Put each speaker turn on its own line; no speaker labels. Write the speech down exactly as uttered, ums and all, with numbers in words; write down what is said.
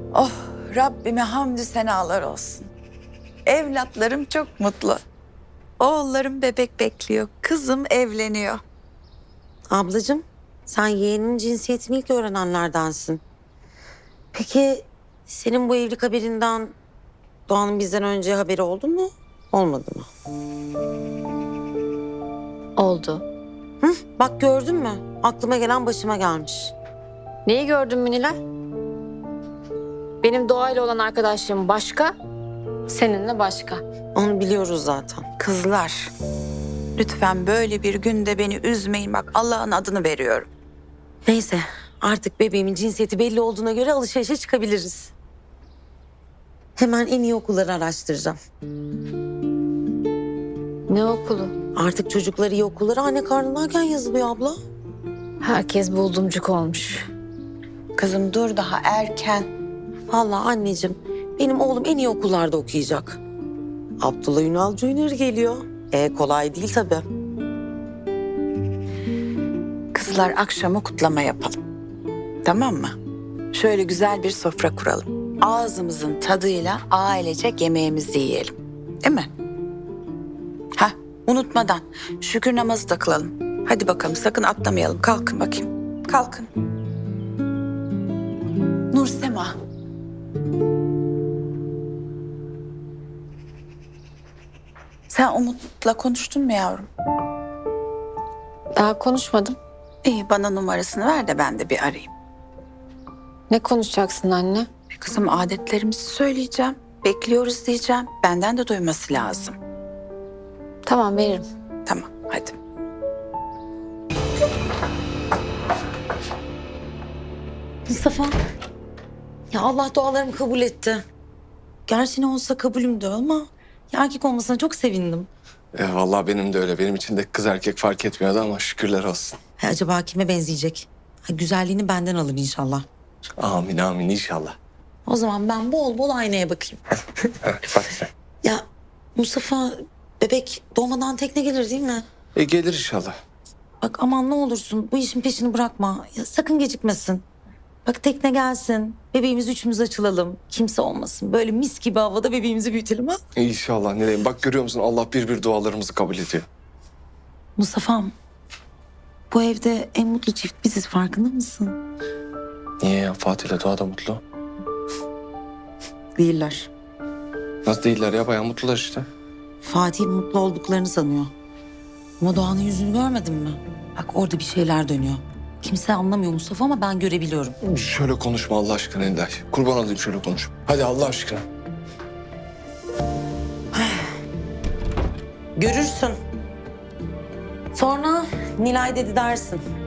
Oh, Rabbime hamdü senalar olsun. Evlatlarım çok mutlu. Oğullarım bebek bekliyor. Kızım evleniyor.
Ablacığım, sen yeğeninin cinsiyetini ilk öğrenenlerdensin. Peki senin bu evlilik haberinden Doğan'ın bizden önce haberi oldu mu? Olmadı mı?
Oldu.
Hı, bak gördün mü? Aklıma gelen başıma gelmiş.
Neyi gördün mü Nilay? Benim doğayla olan arkadaşlığım başka, seninle başka.
Onu biliyoruz zaten.
Kızlar, lütfen böyle bir günde beni üzmeyin. Bak Allah'ın adını veriyorum.
Neyse, artık bebeğimin cinsiyeti belli olduğuna göre alışverişe çıkabiliriz. Hemen en iyi okulları araştıracağım.
Ne okulu?
Artık çocuklar iyi okullara anne karnındayken yazılıyor abla.
Herkes buldumcuk olmuş.
Kızım dur, daha erken.
Vallahi anneciğim, benim oğlum en iyi okullarda okuyacak. Abdullah Ünal Junior geliyor. E kolay değil tabii.
Kızlar akşamı kutlama yapalım. Tamam mı? Şöyle güzel bir sofra kuralım. Ağzımızın tadıyla ailecek yemeğimizi yiyelim. Değil mi? Hah, unutmadan şükür namazı da kılalım. Hadi bakalım, sakın atlamayalım. Kalkın bakayım. Kalkın. Nursema. Sen Umut'la konuştun mu yavrum?
Daha konuşmadım.
İyi, bana numarasını ver de ben de bir arayayım.
Ne konuşacaksın anne?
Kızım, adetlerimizi söyleyeceğim. Bekliyoruz diyeceğim. Benden de duyması lazım.
Tamam, veririm.
Tamam, hadi.
Mustafa, ya Allah dualarımı kabul etti. Gerçi ne olsa kabulümdü ama ya erkek olmasına çok sevindim.
E, vallahi benim de öyle. Benim için de kız erkek fark etmiyordu ama şükürler olsun.
Ha, acaba kime benzeyecek? Ha, güzelliğini benden alır inşallah.
Amin amin inşallah.
O zaman ben bol bol aynaya bakayım.
Bak sen.
Ya Mustafa, bebek doğmadan tekne gelir değil mi?
E, gelir inşallah.
Bak aman ne olursun bu işin peşini bırakma. Ya, sakın gecikmesin. Bak tekne gelsin. Bebeğimiz üçümüz açılalım. Kimse olmasın. Böyle mis gibi havada bebeğimizi büyütelim ha.
İnşallah Nilay'ım. Bak görüyor musun, Allah bir bir dualarımızı kabul ediyor.
Mustafa'm, bu evde en mutlu çift biziz, farkında mısın?
Niye ya? Fatih ile Doğa da mutlu.
Değiller.
Nasıl değiller ya? Bayağı mutlular işte.
Fatih mutlu olduklarını sanıyor. Ama Doğan'ın yüzünü görmedin mi? Bak orada bir şeyler dönüyor. Kimse anlamıyor Mustafa ama ben görebiliyorum.
Şöyle konuşma Allah aşkına Nilay. Kurban olayım, şöyle konuş. Hadi Allah aşkına.
Görürsün. Sonra Nilay dedi dersin.